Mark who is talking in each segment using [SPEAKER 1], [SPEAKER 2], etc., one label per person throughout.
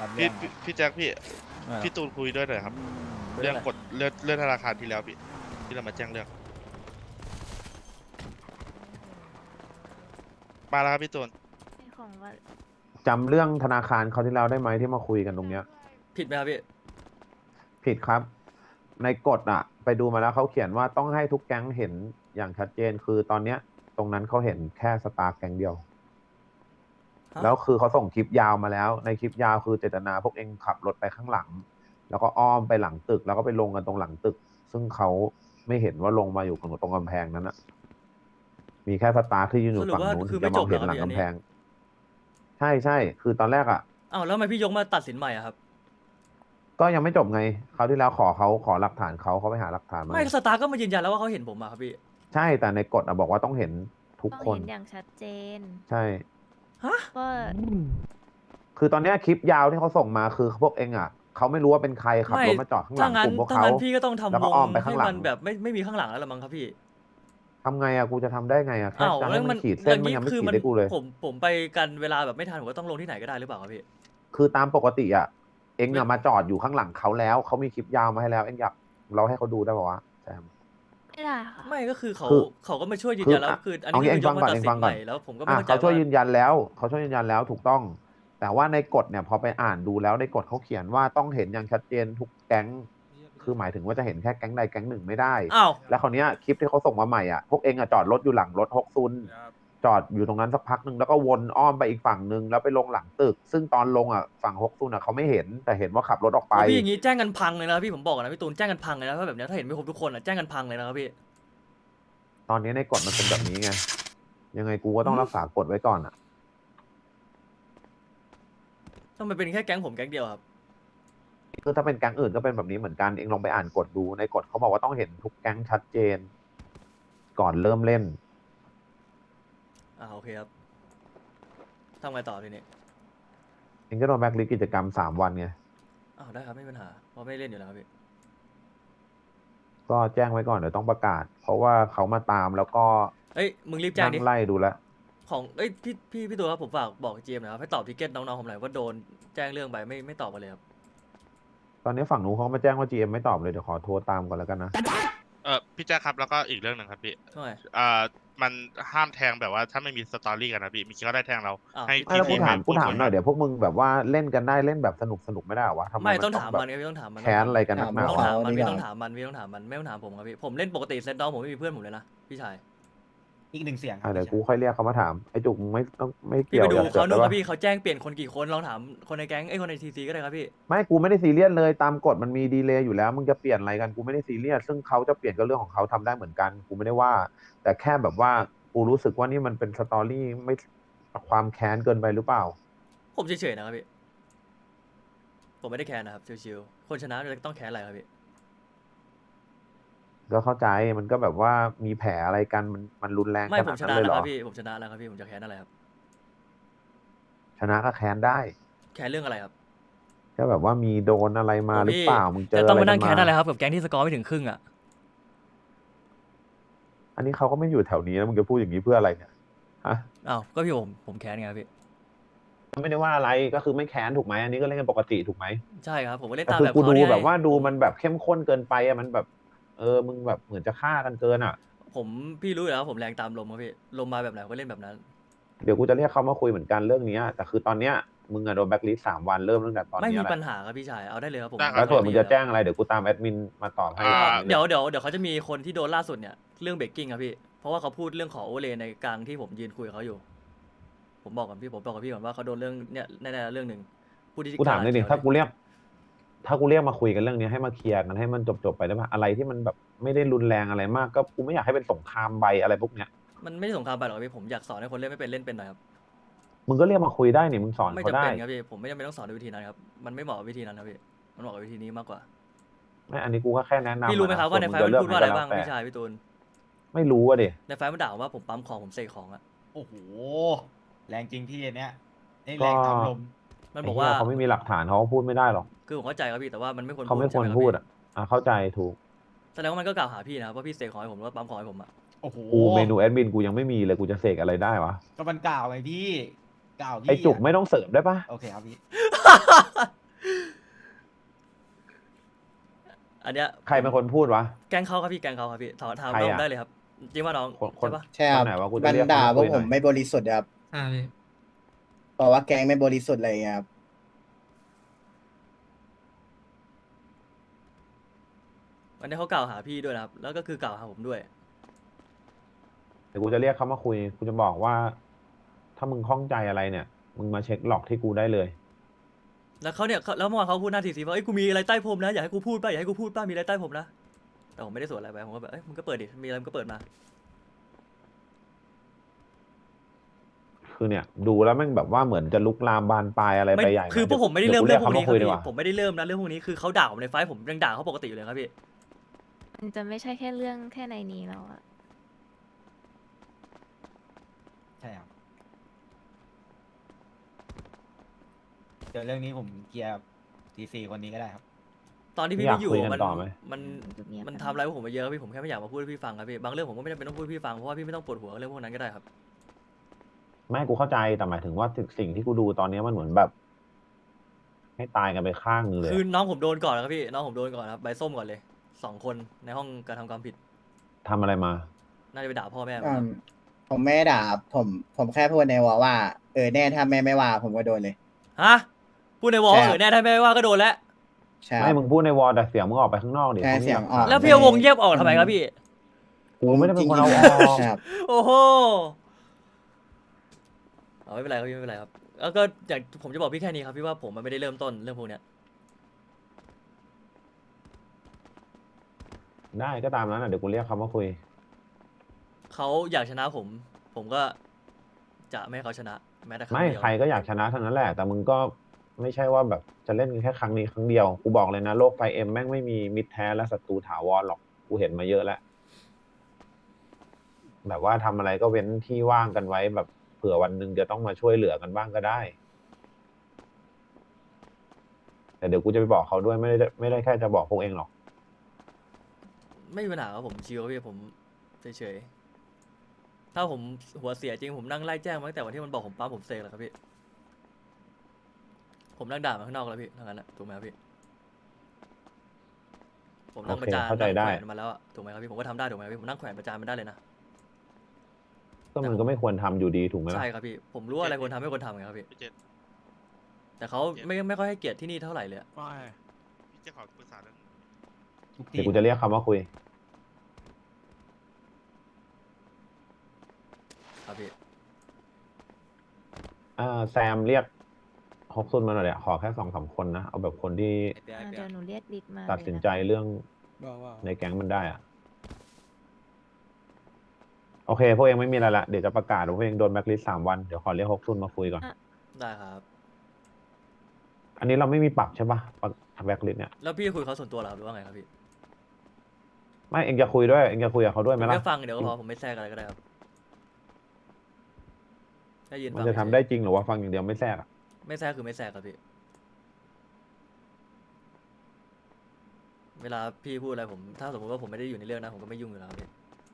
[SPEAKER 1] รับเรื่
[SPEAKER 2] พี่
[SPEAKER 1] องครับ
[SPEAKER 2] พี่แจ็คพี่
[SPEAKER 1] อ่า
[SPEAKER 2] พี่ตูนคุยด้วยหน่อยครับ เรื่องกดเลื่อนธนาคารที่แล้วพี่ที่เรามาแจ้งเรื่องมาแล้วครับพี่ตูน
[SPEAKER 3] ของว่า
[SPEAKER 4] จำเรื่องธนาคารเขาวที่แล้วได้ไหมที่มาคุยกันตรงเนี้ย
[SPEAKER 5] ผิดไหมครับพี่
[SPEAKER 4] ผิดครับ ในกฎอะไปดูมาแล้วเขาเขียนว่าต้องให้ทุกแก๊งเห็นอย่างชัดเจนคือตอนเนี้ย ตรงนั้นเขาเห็นแค่สตาร์แก๊งเดียว
[SPEAKER 5] ฮะ
[SPEAKER 4] แล้วคือเขาส่งคลิปยาวมาแล้ว ในคลิปยาวคือเจตนาพวกเองขับรถไปข้างหลัง แล้วก็อ้อมไปหลังตึก แล้วก็ไปลงกันตรงหลังตึก ซึ่งเขาไม่เห็นว่าลงมาอยู่ตรงกำแพงนั้นอะมีแค่สตาร์ที่ยืนอยู่ฝั่งนู้น
[SPEAKER 5] สรุ
[SPEAKER 4] ถึ
[SPEAKER 5] ป
[SPEAKER 4] ง
[SPEAKER 5] ว่า
[SPEAKER 4] จะมองเห็น
[SPEAKER 5] คือ
[SPEAKER 4] ห
[SPEAKER 5] ไม่จบเหรอ
[SPEAKER 4] ลัง
[SPEAKER 5] พี่
[SPEAKER 4] กำแพง ใช่ใช่คือตอนแรกอะ
[SPEAKER 5] อ้าวแล้วทำไมพี่ยกมาตัดสินใหม่อะครับ
[SPEAKER 4] ก็ยังไม่จบไงคราวที่แล้วขอหลักฐานเขาไปหาหลักฐานมา
[SPEAKER 5] ไม่สตาร์ก็มายืนยันแล้วว่าเขาเห็นผมอะครับพี่
[SPEAKER 4] ใช่แต่ในกฎอะบอกว่าต้องเห็นทุก
[SPEAKER 3] ต้อง
[SPEAKER 4] คน
[SPEAKER 3] เห็นอย่างชัดเจน
[SPEAKER 4] ใช่
[SPEAKER 5] ฮะ
[SPEAKER 3] ก็
[SPEAKER 4] คือตอนเนี้ยคลิปยาวที่เขาส่งมาคือพวกเองอะเขาไม่รู้ว่าเป็นใครขับรถมาจอดข้างหลั
[SPEAKER 5] ถ้าง งั้
[SPEAKER 4] ก
[SPEAKER 5] น
[SPEAKER 4] ลุ่มพวก
[SPEAKER 5] ถ้า
[SPEAKER 4] เขา
[SPEAKER 5] งั้นพี่ก็ต้อง
[SPEAKER 4] แล้ว
[SPEAKER 5] ทำ
[SPEAKER 4] ก็
[SPEAKER 5] ว
[SPEAKER 4] อ้อมไปข้าง
[SPEAKER 5] ให้
[SPEAKER 4] หลัง
[SPEAKER 5] มันแบบไม่มีข้างหลังแล้วละมั้งครับพี่
[SPEAKER 4] ทำไงอะกูจะทำได้ไงอะแค่
[SPEAKER 5] อ้าว
[SPEAKER 4] จะ
[SPEAKER 5] แล้
[SPEAKER 4] ให้
[SPEAKER 5] ว
[SPEAKER 4] มั
[SPEAKER 5] มัน
[SPEAKER 4] นขีดเส้นมันยังไม่
[SPEAKER 5] คือ
[SPEAKER 4] ขีดให้กูเลย
[SPEAKER 5] ผมไปกันเวลาแบบไม่ทันผมก็ต้องลงที่ไหนก็ได้หรือเปล่าครับพี่
[SPEAKER 4] คือตามปกติอะเองอะ
[SPEAKER 5] ไม่
[SPEAKER 4] มาจอดอยู่ข้างหลังเขาแล้วเขามีคลิปยาวมาให้แล้วเองอยากเราให้เขาดูได้ป่าวะแซม
[SPEAKER 3] ไม่ได้ค่ะ
[SPEAKER 5] ไม่ก็คือเขา
[SPEAKER 4] คือ
[SPEAKER 5] เขาก็มาช่วยยืน
[SPEAKER 4] คือ
[SPEAKER 5] ยันแล้ว
[SPEAKER 4] อ่ะ
[SPEAKER 5] คืออัน
[SPEAKER 4] เอา
[SPEAKER 5] นี้
[SPEAKER 4] งี้
[SPEAKER 5] คือยกมาตัด
[SPEAKER 4] เอง
[SPEAKER 5] สิ
[SPEAKER 4] ฟั
[SPEAKER 5] น
[SPEAKER 4] ง
[SPEAKER 5] ให
[SPEAKER 4] ก่อน
[SPEAKER 5] ม่แล้วผมก็ไม่เข้าใจ
[SPEAKER 4] เขาช่วย
[SPEAKER 5] ว่า
[SPEAKER 4] ยืนยันแล้วเขาช่วยยืนยันแล้วถูกต้อง แต่ว่าในกฎเนี่ยพอไปอ่านดูแล้วในกฎเขาเขียนว่าต้องเห็นอย่างชัดเจนทุกแก๊งคือหมายถึงว่าจะเห็นแค่แก๊งใดแก๊งหนึ่งไม่ได้
[SPEAKER 5] อ้าว
[SPEAKER 4] แล้วคราวเนี้ยคลิปที่เขาส่งมาใหม่อ่ะพวกเองอ่ะจอดรถอยู่หลังรถฮกซุนจอดอยู่ตรงนั้นสักพักหนึ่งแล้วก็วนอ้อมไปอีกฝั่งหนึ่งแล้วไปลงหลังตึก ซึ่งตอนลงอ่ะฝั่งฮกซุนอ่ะเขาไม่เห็นแต่เห็นว่าขับรถออกไป
[SPEAKER 5] โอ้พี่อย่างงี้แจ้งกันพังเลยนะพี่ผมบอกก่อนนะพี่ตูนแจ้งกันพังเลยนะถ้าแบบเนี้ยถ้าเห็นไม่ครบทุกคนอะแจ้งกันพังเลยนะครับพี่
[SPEAKER 4] ตอนนี้ในกฎมันเป็นแบบนี้ไงยังไงกูก็ต้องรักษากฎไว้ก่อนอ่ะ
[SPEAKER 5] ถ้ามันเป็นแค่แก๊งผมแก๊งเดียวครับ
[SPEAKER 4] คือถ้าเป็นแก๊งอื่นก็เป็นแบบนี้เหมือนกันเองลองไปอ่านกฎดูในกฎเขาบอกว่าต้องเห็นทุกแก๊งชัดเจน ก่อนเริ่มเล่น
[SPEAKER 5] โอเคครับทำไงต่อทีนี้
[SPEAKER 4] เองก็โดนแบล็คลิสต์กิจกรรม3 วันไง
[SPEAKER 5] ได้ครับไม่มีปัญหาเพราะไม่เล่นอยู่แล้วครับพี่
[SPEAKER 4] ก็แจ้งไว้ก่อนเดี๋ยวต้องประกาศ เพราะว่าเขามาตามแล้วก็
[SPEAKER 5] เอ้ยมึงรีบแจ้ง
[SPEAKER 4] นั่
[SPEAKER 5] ดิ
[SPEAKER 4] งไล่ดูแลว
[SPEAKER 5] ของเอ้ยพี่ตัวครับผมฝากบอกเจมส์นะครับให้ตอบทิเก็ตน้องๆผมหน่อยว่าโดนแจ้งเรื่องไปไม่ตอบมาเลยครับ
[SPEAKER 4] ตอนนี้ฝั่งนู้นเขามาแจ้งว่า GM ไม่ตอบเลยเดี๋ยวขอโทรตามก่อนแล้วกันนะ
[SPEAKER 2] พี่แจ็คครับแล้วก็อีกเรื่องหนึ่งครับพี่
[SPEAKER 5] ใช่
[SPEAKER 2] มันห้ามแทงแบบว่าถ้าไม่มีสตอรี่กันนะพี่มีคิดก็ได้แทงเรา
[SPEAKER 5] อ้าว
[SPEAKER 2] ให้
[SPEAKER 4] ไม่แล้ว
[SPEAKER 2] ที
[SPEAKER 4] กูถามหน่อยเดี๋ยวพวกมึงแบบว่าเล่นกันได้เล่นแบบสนุกไม่ได้เหรอวะทำไม
[SPEAKER 5] ไม่
[SPEAKER 4] มัน
[SPEAKER 5] ต้อง
[SPEAKER 4] ต้อ
[SPEAKER 5] ถาง ม
[SPEAKER 4] แบบ
[SPEAKER 5] มันครับพี่ต้องถามมัน
[SPEAKER 4] แค้นอะไรกันนักหนา
[SPEAKER 5] ต้อง
[SPEAKER 4] วะ
[SPEAKER 5] ถามมัน
[SPEAKER 1] ดี
[SPEAKER 5] พี่
[SPEAKER 1] กว่า
[SPEAKER 5] ต้องถามมันพี่ต้องถามมันไม่ต้องถามมันครับพี่ผมเล่นปกติเซตน้องผมไม่มีเพื่อนผมเลยนะพี่ชาย
[SPEAKER 1] อีกหนึ่งเสียง
[SPEAKER 4] เดี๋ยวกูค่อยเรียกเขามาถามไอ้จุกมึงไม่ต้องไม่
[SPEAKER 5] พี่
[SPEAKER 4] เกี่ยว
[SPEAKER 5] ไปดู
[SPEAKER 4] อย่า
[SPEAKER 5] เขา
[SPEAKER 4] เสื
[SPEAKER 5] ดู
[SPEAKER 4] อก
[SPEAKER 5] ค
[SPEAKER 4] ได้
[SPEAKER 5] รับ
[SPEAKER 4] ปะ
[SPEAKER 5] พี่เขาแจ้งเปลี่ยนคนกี่คนลองถามคนในแก๊งคนในทีซีก็ได้ครับพี่
[SPEAKER 4] ไม่กูไม่ได้ซีเรียสเลยตามกฎมันมีดีเลย์อยู่แล้วมึงจะเปลี่ยนอะไรกันกูไม่ได้ซีเรียสซึ่งเขาจะเปลี่ยนก็เรื่องของเขาทำได้เหมือนกันกูไม่ได้ว่า แต่แค่แบบว่ากูรู้สึกว่านี่มันเป็นสตอรี่ไม่ความแค้นเกินไปหรือเปล่า
[SPEAKER 5] ผมเฉยๆนะครับพี่ผมไม่ได้แค้นนะครับชิวๆคนชนะจะต้องแค้นอะไรครับพี่
[SPEAKER 4] ก็เข้าใจมันก็แบบว่ามีแผลอะไรกันมันรุนแรง
[SPEAKER 5] ไม่
[SPEAKER 4] ข
[SPEAKER 5] ผ
[SPEAKER 4] นาม ด
[SPEAKER 5] ช
[SPEAKER 4] นั้น
[SPEAKER 5] นะ
[SPEAKER 4] เลย
[SPEAKER 5] แล้ว
[SPEAKER 4] เหร
[SPEAKER 5] ค
[SPEAKER 4] อ
[SPEAKER 5] รับพี่ผมชนะแล้วครับพี่ผมจะแค้นอะไรครับ
[SPEAKER 4] ชนะก็แค้นได้
[SPEAKER 5] แค้นเรื่องอะไรครับ
[SPEAKER 4] ก็แบบว่ามีโดนอะไรมาหรือเปล่ามึงเจอ
[SPEAKER 5] จะ
[SPEAKER 4] อะไร
[SPEAKER 5] ต้องมา
[SPEAKER 4] กั
[SPEAKER 5] นั่
[SPEAKER 4] น
[SPEAKER 5] งแค้นอะไร
[SPEAKER 4] มา
[SPEAKER 5] ครับกับแก๊งที่สกอร์ไม่ถึงครึ่งอ่ะ
[SPEAKER 4] อันนี้เขาก็ไม่อยู่แถวนี้แล้วมึงจะพูดอย่างนี้เพื่ออะไรเนี่ยฮะ
[SPEAKER 5] อ้าวก็พี่ผมแค้นไงครับพี่
[SPEAKER 4] ไม่ได้ว่าอะไรก็คือไม่แค้นถูกไหมอันนี้ก็เล่นกันปกติถูกไหม
[SPEAKER 5] ใช่ครับผมก็เล่น
[SPEAKER 4] แต่
[SPEAKER 5] ตาม
[SPEAKER 4] คือ
[SPEAKER 5] แบบ
[SPEAKER 4] กู
[SPEAKER 5] เขา
[SPEAKER 4] ดู
[SPEAKER 5] เนี่ย
[SPEAKER 4] แบบว่าดูมันแบบเข้มข้นเกินไปอะมันแบบมึงแบบเหมือนจะฆ่ากันเกินอ่ะ
[SPEAKER 5] พี่รู้อยู่แล้วผมแรงตามลมครับพี่ลมมาแบบไหนผมก็เล่นแบบนั้น
[SPEAKER 4] เดี๋ยวกูจะเรียกเขามาคุยเหมือนกันเรื่องนี้แต่คือตอนเนี้ยมึงอะโดนแบล็คลิสต์3 วันเริ่มตั้งแต่ตอน
[SPEAKER 5] ไม่
[SPEAKER 4] นี้
[SPEAKER 5] มี
[SPEAKER 4] แห
[SPEAKER 5] ปัญ
[SPEAKER 4] ละ
[SPEAKER 5] หาครับพี่ชายเอาได้เลยครับผม
[SPEAKER 4] แล้วส่วนมึงจะแจ้งอะไรเดี๋ยวกูตามแอดมินมาตอบให้
[SPEAKER 5] เดี๋ยวเขาจะมีคนที่โดนล่าสุดเนี่ยเรื่องเบรกกิ้งครับพี่เพราะว่าเขาพูดเรื่องขอโอเวอร์เลย์ในกลางที่ผมยืนคุยกับเขาอยู่ ผมบอกกับพี่ก่อนว่าเขาโดนเรื่องเนี่ยแน่ๆเรื่องหนึ่งผู้ที่
[SPEAKER 4] กูถามเลยดิ
[SPEAKER 5] กล้
[SPEAKER 4] ถ้ากูเรียกมาคุยกันเรื่องนี้ให้มาเคลียร์กันให้มันจบไปได้ปะอะไรที่มันแบบไม่ได้รุนแรงอะไรมากก็กูไม่อยากให้เป็นสงครามใบอะไรพวกเนี้ย
[SPEAKER 5] มันไม่ได้สงครามไปหรอกครับพี่ผมอยากสอนให้คนเล่นไม่เป็นเล่นเป็นหน่อยครับ
[SPEAKER 4] มึงก็เรียกมาคุยได้นี่มึงสอน
[SPEAKER 5] ไม่
[SPEAKER 4] เขา
[SPEAKER 5] จำ
[SPEAKER 4] ได้
[SPEAKER 5] เป็นครับพี่ผมไม่จำเป็นต้องสอนด้วยวิธีนั้นครับมันไม่เหมาะกับวิธีนั้นครับพี่มันเหมาะกับวิธีนี้มากกว่า
[SPEAKER 4] ไม่อันนี้กูก็แค่แนะนำ
[SPEAKER 5] พี่รู้ไหมครับว่าในไฟล์มันพูดว่าอะไรบ้างพี่ชายพี่ตูน
[SPEAKER 4] ไม่รู้อะดิ
[SPEAKER 5] ในไฟล์มันด่าว่าผมปั๊มของผมเสกของอะ
[SPEAKER 1] โอ้โห แรงจริงพี่อันเนี้ยนี่แรงตามลม
[SPEAKER 5] มันบอกว่า
[SPEAKER 4] ไเหี้ยเขาไม่มีหลักฐานเขาก็พูดไม่ได้หรอก
[SPEAKER 5] คือผมเข้าใจครับพี่แต่ว่ามันไม่ควร
[SPEAKER 4] เขาไม่ควร
[SPEAKER 5] ใช่ห
[SPEAKER 4] พูด
[SPEAKER 5] พี่
[SPEAKER 4] เข้าใจถูก
[SPEAKER 5] แสดงว่ามันก็กล่าวหาพี่นะครับว่าพี่เสกของให้ผมหรือว่าปั๊มของให้ผมอะ
[SPEAKER 1] โอ้โห
[SPEAKER 4] กูเมนูแอดมินกูยังไม่มีเลยกูจะเสกอะไรได้วะ
[SPEAKER 1] ก็มันกล่าวไงพี่กล่าวพี่
[SPEAKER 4] ไอจุก
[SPEAKER 1] ะ
[SPEAKER 4] ไม่ต้องเสริมได้ปะ
[SPEAKER 1] โอเคครับพี่
[SPEAKER 5] นเนี้ย
[SPEAKER 4] ใครเป็นคนพูดวะ
[SPEAKER 5] แกล้งเขาครับพี่แกล้งเขาครับพี่ถาม
[SPEAKER 4] ใคร
[SPEAKER 5] น้อง
[SPEAKER 4] อะ
[SPEAKER 5] ได้เลยครับจริงว่าน้อง
[SPEAKER 4] คน
[SPEAKER 5] ใช่ปะ
[SPEAKER 6] ใช่ครับ
[SPEAKER 4] คนไหนวะกูจะ
[SPEAKER 6] มัน
[SPEAKER 4] เรียก
[SPEAKER 6] ด่า
[SPEAKER 4] เขา
[SPEAKER 6] พวก
[SPEAKER 4] คุยหน่อย
[SPEAKER 6] ผมไม่บริสุทธิ์ครับ
[SPEAKER 7] ใช่พี่
[SPEAKER 6] บอกว่าแกงไม่บริสุทธิ์อะไรอย่างเงี้ยครับ
[SPEAKER 5] วันนี้เขากล่าวหาพี่ด้วยนะครับแล้วก็คือกล่าวหาผมด้วย
[SPEAKER 4] เดี๋ยวกูจะเรียกเขามาคุยกูจะบอกว่า ถ้ามึงข้องใจอะไรเนี่ย มึงมาเช็คหลอกที่กูได้เลย
[SPEAKER 5] แล้วเขาเนี่ยแล้วเมื่อวานเขาพูดหน้าทีซีว่าเอ้ยกูมีอะไรใต้พรมนะอยากให้กูพูดป่ะอยากให้กูพูดป่ะมีอะไรใต้พรมนะแต่ผมไม่ได้สวนอะไรไปผมก็แบบเอ้ยมึงก็เปิดดิมีอะไรมึงก็เปิดมา
[SPEAKER 4] คือเนี่ย ดูแล้วแม่งแบบว่าเหมือนจะลุกลามบานปลายอะไร
[SPEAKER 5] ไม่
[SPEAKER 4] ไปใหญ่นะ
[SPEAKER 5] คือพวกผมไม่ได้
[SPEAKER 4] ดี๋
[SPEAKER 5] เริ่
[SPEAKER 4] ยว
[SPEAKER 5] ม
[SPEAKER 4] กู
[SPEAKER 5] เรื่องพวกนี้
[SPEAKER 4] ขา
[SPEAKER 5] ครับ
[SPEAKER 4] มาคุยดี
[SPEAKER 5] พี่
[SPEAKER 4] กว่า
[SPEAKER 5] ผมไม่ได้เริ่มนะเรื่องพวกนี้คือเขาด่าผมในไฟท์ผมยังด่าเขาปกติอยู่เลยครับพี่
[SPEAKER 3] มันจะไม่ใช่แค่เรื่องแค่ในนี้แล้วอะ
[SPEAKER 1] ใช่ครับเดี๋ยวเรื่องนี้ผมเคลียร์ทีซีคนนี้ก็ได้ครับ
[SPEAKER 5] ตอนที่พี่
[SPEAKER 4] อยาก
[SPEAKER 5] ไม่อยู่
[SPEAKER 4] คุยกัน
[SPEAKER 5] มัน
[SPEAKER 4] ต่อไหม
[SPEAKER 5] มัน
[SPEAKER 3] จุดเงียบ
[SPEAKER 5] มันทำอะไรพวกผมมาเยอะครับพี่ผมแค่ไม่อยากมาพูดให้พี่ฟังครับพี่บางเรื่องผมก็ไม่จำเป็นต้องพูดให้พี่ฟังเพราะว่าพี่ไม่ต้องปวดหัวกับเรื่องพวกนั้นก็ได้ครับ
[SPEAKER 4] ไม่กูเข้าใจแต่หมายถึงว่าสิ่งที่กูดูตอนนี้มันเหมือนแบบ ให้ตายกันไปข้างนึงเลย
[SPEAKER 5] คือน้องผมโดนก่อนนะครับพี่น้องผมโดนก่อนครับใบส้มก่อนเลย2 คนในห้องการทำความผิด
[SPEAKER 4] ทำอะไรมา
[SPEAKER 5] น่าจะไปด่าพ่อแม่
[SPEAKER 6] อื
[SPEAKER 5] มั้งครับ
[SPEAKER 6] มผมไม่ได้ด่าครับผมแค่พูดในวอลว่าแน่ถ้าแม่ไม่ว่าผมก็โดนเลย
[SPEAKER 5] ฮะพูดในวอล
[SPEAKER 6] ใช่ครับ
[SPEAKER 5] แน่ถ้าไม่ว่าก็โดนแล้ว
[SPEAKER 6] ใช่ค
[SPEAKER 4] ไม่
[SPEAKER 6] รับ
[SPEAKER 4] มึงพูดในวอลแต่เสียงมึงออกไปข้างนอกดิ
[SPEAKER 6] ใช่
[SPEAKER 4] ขาไม่
[SPEAKER 6] เสียง
[SPEAKER 4] าก
[SPEAKER 6] ออก
[SPEAKER 5] แล้วพี่เอาวงเงียบออกทำไมครับพี่
[SPEAKER 4] กูไม่ได้เป็นคนเอาออก
[SPEAKER 6] ใช่ครับ
[SPEAKER 5] โอ้โหเอาไม่เป็นไรครับพี่ไม่เป็นไรครับแล้วก็อย่างผมจะบอกพี่แค่นี้ครับพี่ว่าผมมันไม่ได้เริ่มต้นเรื่องพวกเนี้ย
[SPEAKER 4] ได้ก็ตามนั้นอ่ะเดี๋ยวกูเรียกเขามาคุย
[SPEAKER 5] เขาอยากชนะผมก็จะไม่ให้เขาชนะแม้แต่ครั้ง
[SPEAKER 4] ไม่
[SPEAKER 5] เดียว
[SPEAKER 4] ใครก็อยากชนะทั้งนั้นแหละ แต่มึงก็ไม่ใช่ว่าแบบจะเล่นกันแค่ครั้งนี้ครั้งเดียว กูบอกเลยนะโลกไฟเอ็มแม่งไม่มีมิตรแท้และศัตรูถาวรหรอก กูเห็นมาเยอะแล้ว แบบว่าทำอะไรก็เว้นที่ว่างกันไว้แบบเผื่อวันหนึ่งจะต้องมาช่วยเหลือกันบ้างก็ได้ แต่เดี๋ยวกูจะไปบอกเขาด้วยไม่ได้แค่จะบอกพวกเองหรอก
[SPEAKER 5] ไม่มีปัญหาครับผมชิวครับพี่ผมเฉยๆถ้าผมหัวเสียจริงผมนั่งไล่แจ้งมาตั้งแต่วันที่มันบอกผมปั๊มผมเซกแล้วครับพี่ผมนั่งด่ามาข้างนอกแล้วพี่ทั้งนั้นแหละถูกไหมครับพี่ผมนั่ง
[SPEAKER 4] โอเค
[SPEAKER 5] ประจาน
[SPEAKER 4] เข้าใจ
[SPEAKER 5] นั่ง
[SPEAKER 4] ได้
[SPEAKER 5] แขวนมาแล้วอะถูกไหมครับพี่ผมก็ทำได้ถูกไหมครับพี่ผมนั่งแขวนประจานมันได้เลยนะ
[SPEAKER 4] ก็มันก็ไม่ควรทำอยู่ดีถูกไหมล่ะ
[SPEAKER 5] ใช่ครับพี่ผมรู้ว่าอะไรควรทำไม่ควรทำไงครับพี่
[SPEAKER 2] พี่เจน
[SPEAKER 5] แต่เขาไม่ค่อยให้เกียรติที่นี่เท่าไหร่เลยอะ
[SPEAKER 2] พี่เจนขอปรึกษาเรื่อง
[SPEAKER 1] ทุก
[SPEAKER 4] เดี๋ยว
[SPEAKER 1] ที่
[SPEAKER 4] กูจะเรียกเขามาคุย
[SPEAKER 5] ครับพี่
[SPEAKER 4] แซมเรียกฮอกซุนมาหน่อยเดี๋ยวขอแค่2-3 คนนะ เอาแบบคนที่
[SPEAKER 3] เดี๋ยวหนูเรียกดิดมา
[SPEAKER 4] ตัดสิน
[SPEAKER 3] เลยะ
[SPEAKER 4] ใจเรื่อง
[SPEAKER 7] บอกว่า
[SPEAKER 4] ในแก๊งมันได้อะโอเค พวกเองไม่มีอะไรละ เดี๋ยวจะประกาศว่าพวกเองโดนแบล็คลิสต์3 วัน เดี๋ยวขอเรียกฮอกซุนมาคุยก่อน
[SPEAKER 5] ได้ครับ
[SPEAKER 4] อันนี้เราไม่มีปรับใช่ปะแบล็คลิสต์เนี่ย
[SPEAKER 5] แล้วพี่คุยกับเขาส่วนตัวเหรอครับหรือว่าไงครับพี่
[SPEAKER 4] ไม่ เองจะคุยด้วย เองจะคุยกับเขาด้วยไหม
[SPEAKER 5] ผม
[SPEAKER 4] ล่ะ
[SPEAKER 5] แค่ฟังเดี๋ยวก็พอผมไม่แทรกอะไรก็ได้ครับแค่ยืน
[SPEAKER 4] มั
[SPEAKER 5] ฟั
[SPEAKER 4] น
[SPEAKER 5] ง
[SPEAKER 4] จะทำได้จริงหรือว่าฟังอย่างเดียวไม่แทรกอะ
[SPEAKER 5] ไม่แทรกคือไม่แทรกครับพี่เวลาพี่พูดอะไรผมถ้าสมมติว่าผมไม่ได้อยู่ในเรื่องนะผมก็ไม่ยุ่งอยู่แล้วครับพี่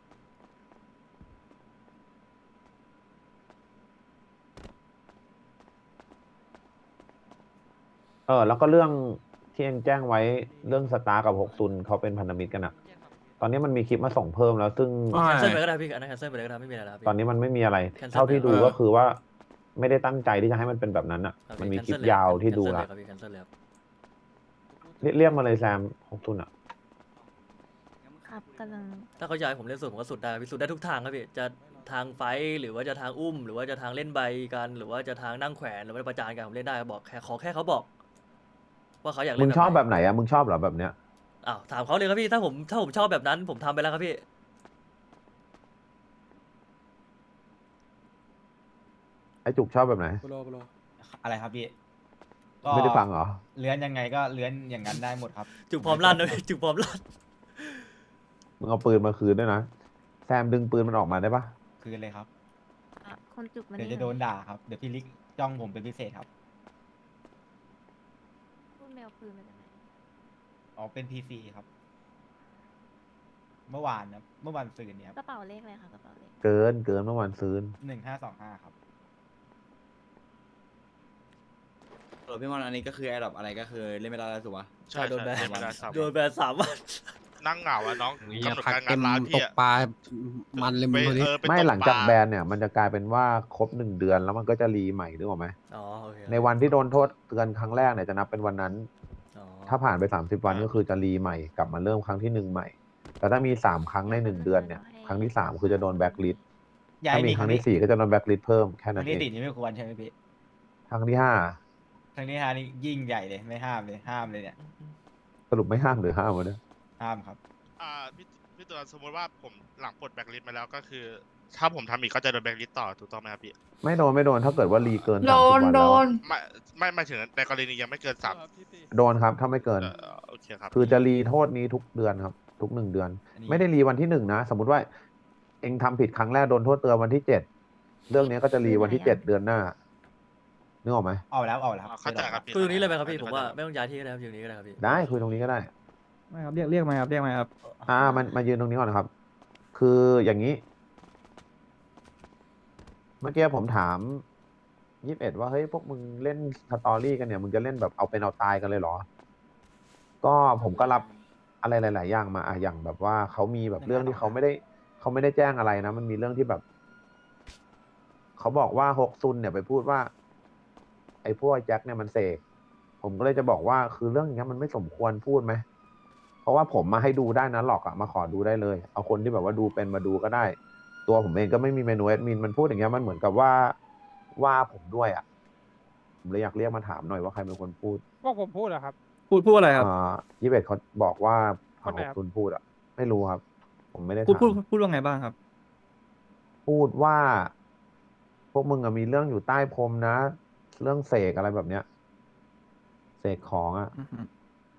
[SPEAKER 4] แล้วก็เรื่องที่เองแจ้งไว้เรื่องสตาร์กับฮกซุนเขาเป็นพันธมิตรกันอะตอนนี้มันมีคลิปมาส่งเพิ่มแล้ว ซึ่ง
[SPEAKER 5] แคนเซิลไปก็ได้พี่อันนั้นแคนเซิลไปเลยก็ได้ไม่มีอะไรแล้วครับพี่
[SPEAKER 4] ตอนนี้มันไม่มีอะไร
[SPEAKER 5] Cancel
[SPEAKER 4] เท่าที่ดู
[SPEAKER 5] ไป
[SPEAKER 4] ก็คือว่า ไม่ได้ตั้งใจที่จะให้มันเป็นแบบนั้นอ่ะ
[SPEAKER 5] ครับ
[SPEAKER 4] มัน
[SPEAKER 5] พี่
[SPEAKER 4] มีคลิป
[SPEAKER 5] cancel เลย
[SPEAKER 4] ยาวที่ดู
[SPEAKER 5] cancel
[SPEAKER 4] ละ
[SPEAKER 5] เลยครับพี่ cancel เลยครับ
[SPEAKER 4] เรียกมาเลยแซมฮกซุนอ่ะ
[SPEAKER 3] ครับกำลัง
[SPEAKER 5] ถ้าเขาอยากให้ผมเล่นสุดผมก็สุดได้ครับพี่สุดได้ทุกทางครับพี่จะทางไฟท์หรือว่าจะทางอุ้ม หรือว่าจะทางเล่นใบกันหรือว่าจะทางนั่งแขวนหรือว่าประจานกันผมเล่นได้บอกแค่ขอแค่เขาบอก ว่าเขาอยากเล่
[SPEAKER 4] มึ
[SPEAKER 5] น
[SPEAKER 4] งชอบ
[SPEAKER 5] ไหน
[SPEAKER 4] แบบไหนอ่ะมึงชอบเหรอแบบเนี้ย
[SPEAKER 5] อ้าวถามเขาเลยครับพี่ถ้าผมชอบแบบนั้น ผมทำไปแล้วครับพี่
[SPEAKER 4] ไอ้จุกชอบแบบไหน
[SPEAKER 7] โปโลโปโล
[SPEAKER 1] อะไรครับพี่
[SPEAKER 4] ไม่ได้ฟังเหรอ
[SPEAKER 1] เลื้อนยังไงก็เลื้อนอย่างนั้นได้หมดครับ
[SPEAKER 5] จุกพร้อมลั่นนะพี่จุกพร้อมลั่น
[SPEAKER 4] มึงเอาปืนมาคืนด้วยนะแซมดึงปืนมันออกมาได้ปะ
[SPEAKER 1] คืนเลยครับ
[SPEAKER 3] คนจุกมัน
[SPEAKER 1] เดี๋ยว
[SPEAKER 3] นี่
[SPEAKER 1] จะโดนด่าครับ เดี๋ยวพี่ลิกจ้องผมเป็นพิเศษครับ
[SPEAKER 3] พูดแมวปืนมาจากไหน
[SPEAKER 1] อ๋อเป็นพีซีครับ เมื่อวานนะเมื่อวันซืนเนี่ย
[SPEAKER 3] กระเป๋าเลขอะไรคะกระเป๋าเลข
[SPEAKER 4] เกินเมื่อวานซื้น
[SPEAKER 1] 1525ครับ
[SPEAKER 7] พี่มอนอันนี้ก็คือแอร์ดรอปอะไรก็คือเล่นไม่ได้แล้วถูกปะ
[SPEAKER 2] ใช่
[SPEAKER 5] โดนแบน
[SPEAKER 2] ใช่ไม่ได้สาม
[SPEAKER 5] โดนแบน3 วัน
[SPEAKER 2] นั่งเหงาอะน้อง
[SPEAKER 8] เหี้ย
[SPEAKER 2] กำหนด
[SPEAKER 8] พัก
[SPEAKER 2] การ
[SPEAKER 8] เต็
[SPEAKER 2] งาน
[SPEAKER 8] ม
[SPEAKER 2] ร้าน
[SPEAKER 8] ต
[SPEAKER 2] พี่
[SPEAKER 8] ก
[SPEAKER 2] อะ
[SPEAKER 8] ปลามันเลยมึงคนนี้
[SPEAKER 2] ไป
[SPEAKER 4] ไม่
[SPEAKER 2] ตก
[SPEAKER 4] หลังจาก
[SPEAKER 2] ปล
[SPEAKER 4] แบนเนี่ย มันจะกลายเป็นว่าครบ1 เดือนแล้วมันก็จะรีใหม่นึกออกไหม
[SPEAKER 5] อ๋อโอเค
[SPEAKER 4] ในวันที่โดนโทษเตือนครั้งแรกเนี่ยจะนับเป็นวันนั้น
[SPEAKER 5] อ๋อ
[SPEAKER 4] ถ้าผ่านไป30 วันก็คือจะรีใหม่กลับมาเริ่มครั้งที่1ใหม่ แต่ถ้ามี3 ครั้งใน1 เดือนเนี่ยครั้งที่3คือจะโดนแบล็คลิสต์
[SPEAKER 1] ย้า
[SPEAKER 4] ถ้าย มี
[SPEAKER 1] มี
[SPEAKER 4] ครั้งที่4ก็จะโดนแบล็คลิสต์เพิ่มแค่
[SPEAKER 1] ค
[SPEAKER 4] นั้
[SPEAKER 1] รั้
[SPEAKER 4] น
[SPEAKER 1] ง
[SPEAKER 4] เอ
[SPEAKER 1] ที่
[SPEAKER 4] ง
[SPEAKER 1] 4นี่ไม่ควรใช่ไหมพี่
[SPEAKER 4] ครั้งที่5
[SPEAKER 1] ครั้งที่5นี่ยิ่งใหญ่เลยไม่ห้ามเลยห้ามเลยเนี่ย
[SPEAKER 4] สรุปไม่ห้ามหรือห้ามวะเนี่ย
[SPEAKER 1] ห้ามครับ
[SPEAKER 2] พี่ตัวสมมติว่าผมหลังปลดแบล็คลิสต์มาแล้วก็คือ ถ้าผมทำอีกก็จะโดนแบล็คลิสต์ต่อถูกต้องไหมครับพี่
[SPEAKER 4] ไม่โดนถ้าเกิดว่ารีเกิน30
[SPEAKER 9] โด
[SPEAKER 4] วัน นแล้วอะ
[SPEAKER 2] ไม่ถึงในกรณียังไม่เกิน
[SPEAKER 4] โดนครับถ้าไม่เกิน
[SPEAKER 2] โอเคครับ
[SPEAKER 4] คือจะรีโทษนี้ทุกเดือนครับ ทุก1 เดือน
[SPEAKER 1] อันนี้
[SPEAKER 4] ไม่ได้รีวันที่1นะ สมมติว่าเองทำผิดครั้งแรกโดนโทษเตือนวันที่7เรื่องนี้ก็จะรีวันที่7เดือนหน้านึกออกไหม
[SPEAKER 1] เอาแล้วเอาแล้ว
[SPEAKER 2] เข้าใจครับพี่
[SPEAKER 5] คุยตรงนี้เลยไหมครับพี่ผมว่าไม่ต้องย้ายที่ก็ได้ครับอยู่ตรงนี้ก็ได้ครับพี่
[SPEAKER 4] ได้คุยตรงนี้ก็ได้
[SPEAKER 10] ไม่ครับเรียกมาครับเรียกมาครับ
[SPEAKER 4] มันมายืนตรงนี้ก่อนนะครับ คืออย่างนี้ เมื่อกี้ผมถาม21ว่าเฮ้ยพวกมึงเล่นสตอรี่กันเนี่ยมึงจะเล่นแบบเอาเป็นเอาตายกันเลยเหรอ ก็ผมก็รับอะไรหลาย ๆ อย่างมาอย่างแบบว่าเขามีแบบเรื่องที่เขาไม่ได้แจ้งอะไรนะมันมีเรื่องที่แบบเขาบอกว่าฮกซุนเนี่ยไปพูดว่า ไอ้พวกแจ็คเนี่ยมันเสกผมก็เลยจะบอกว่าคือเรื่องอย่างเงี้ยมันไม่สมควรพูดไหมเพราะว่าผมมาให้ดูได้นะหลอกอะมาขอดูได้เลยเอาคนที่แบบว่าดูเป็นมาดูก็ได้ ตัวผมเองก็ไม่มีเมนูแอดมินมันพูดอย่างเงี้ยมันเหมือนกับว่าผมด้วยอะผมเลยอยากเรียกมาถามหน่อยว่าใครเป็นคนพูด
[SPEAKER 10] พวกผมพูดเหรอครับ พูดอะไรครับ
[SPEAKER 4] 21เขาบอกว่า
[SPEAKER 10] คนไหน
[SPEAKER 4] ฮ
[SPEAKER 10] ครั
[SPEAKER 4] ก
[SPEAKER 10] บ
[SPEAKER 4] ซุนพูดอะไม่รู้ครับ ผมไม่ได้
[SPEAKER 10] พูด
[SPEAKER 4] ถาม
[SPEAKER 10] พูดว่าไงบ้างครับ
[SPEAKER 4] พูดว่า พวกมึงอะมีเรื่องอยู่ใต้พรมนะ เรื่องเสกอะไรแบบเนี้ยเสกของอะ
[SPEAKER 10] อือฮึ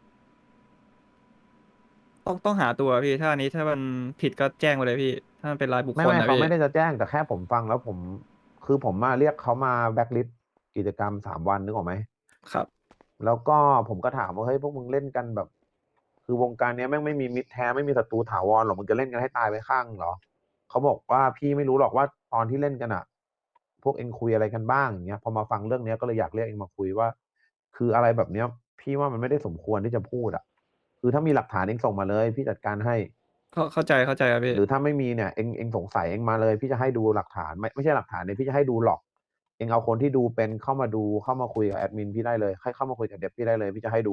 [SPEAKER 10] ต้องหาตัวพี่ถ้าอันนี้ถ้ามันผิดก็แจ้งไปเลยพี่ ถ้ามันเป็นรายบุคค
[SPEAKER 4] ไม่
[SPEAKER 10] ลนะ
[SPEAKER 4] เขา
[SPEAKER 10] พี่
[SPEAKER 4] ไม่ได้จะแจ้งแต่แค่ผมฟังแล้วคือผมมาเรียกเขามาแบ็คลิสต์กิจกรรม3 วันนึกออกไหม
[SPEAKER 10] ครับ
[SPEAKER 4] แล้วก็ผมก็ถามว่าเฮ้ยพวกมึงเล่นกันแบบ คือวงการเนี้ยแม่งไม่มีมิตรแท้ไม่มีศัตรูถาวรหรอกมึงจะเล่นกันให้ตายไปข้างเหรอเขาบอกว่าพี่ไม่รู้หรอกว่าตอนที่เล่นกันอะพวกเองคุยอะไรกันบ้างอย่างเงี้ยพอมาฟังเรื่องเนี้ยก็เลยอยากเรียกเองมาคุยว่า คืออะไรแบบเนี้ย พี่ว่ามันไม่ได้สมควรที่จะพูดอะคือถ้ามีหลักฐานเองส่งมาเลย พี่จัดการให้
[SPEAKER 10] เข้าใจครับพี่
[SPEAKER 4] หรือถ้าไม่มีเนี่ยเองสงสัยเองมาเลย พี่จะให้ดูหลักฐานไม่ใช่หลักฐานเนี่ยพี่จะให้ดูหลอก เองเอาคนที่ดูเป็นเข้ามาดูเข้ามาคุยกับแอดมินพี่ได้เลยให้เข้ามาคุยกับเดฟพี่ได้เลยพี่จะให้ดู